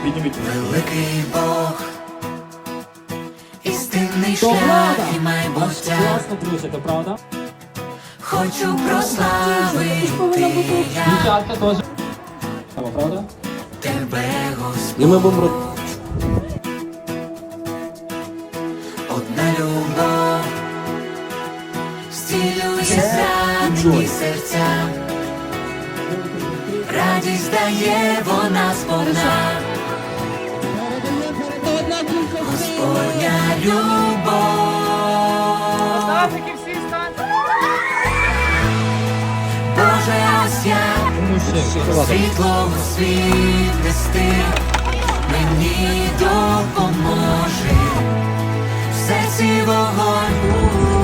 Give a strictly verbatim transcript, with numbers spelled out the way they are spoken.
Підніміть. Великий Бог, істинний шлях і майбуття. Класно плюсите, правда? Хочу прославити я Дівчатка теж. Правда? тебе, Господь. І ми будемо... Одна любов зцілює зранені серця. Радість дає вона сповна. Господня любов. Боже, ось я світло у світ нести, мені допоможе в серці вогонь.